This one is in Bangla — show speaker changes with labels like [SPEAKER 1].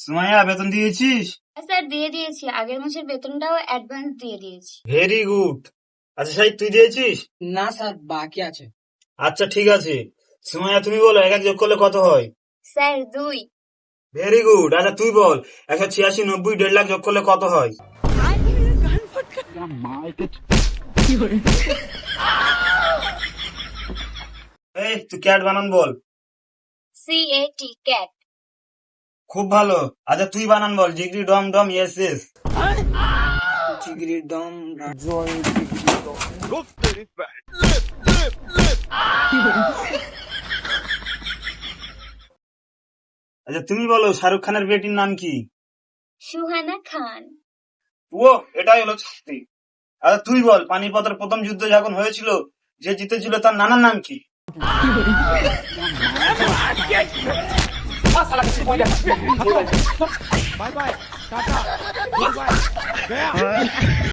[SPEAKER 1] সুমাইয়া বেতন দিয়েছিস?
[SPEAKER 2] স্যার দিয়ে দিয়েছি, আগের মাসের বেতনটাও অ্যাডভান্স দিয়ে দিয়েছি।
[SPEAKER 1] Very good. আচ্ছা সাহিদ, তুই দিয়েছিস?
[SPEAKER 3] না স্যার, বাকি আছে।
[SPEAKER 1] আচ্ছা ঠিক আছে। সুমাইয়া তুমি বলো, এক এক যোগ করলে কত হয়?
[SPEAKER 2] স্যার 2।
[SPEAKER 1] Very good. আচ্ছা তুই বল, 186, 90, 1.5 লাখ যোগ করলে কত হয়? এই তুই ক্যাট বানান বল।
[SPEAKER 2] CAT cat.
[SPEAKER 1] খুব ভালো। আচ্ছা তুই বানান বল, জিগরি ডম ডম ইয়েস ইয়েস।
[SPEAKER 3] চিগড়ি দম
[SPEAKER 1] আচ্ছা তুমি বলো, শাহরুখ খানের বেটির নাম কি?
[SPEAKER 2] সুহানা খান।
[SPEAKER 1] ও, এটাই হলো শাস্তি। আচ্ছা তুই বল, পানিপথের প্রথম যুদ্ধ যখন হয়েছিল, যে জিতেছিল তার নানার নাম কি?
[SPEAKER 4] Bye bye tata goodbye गया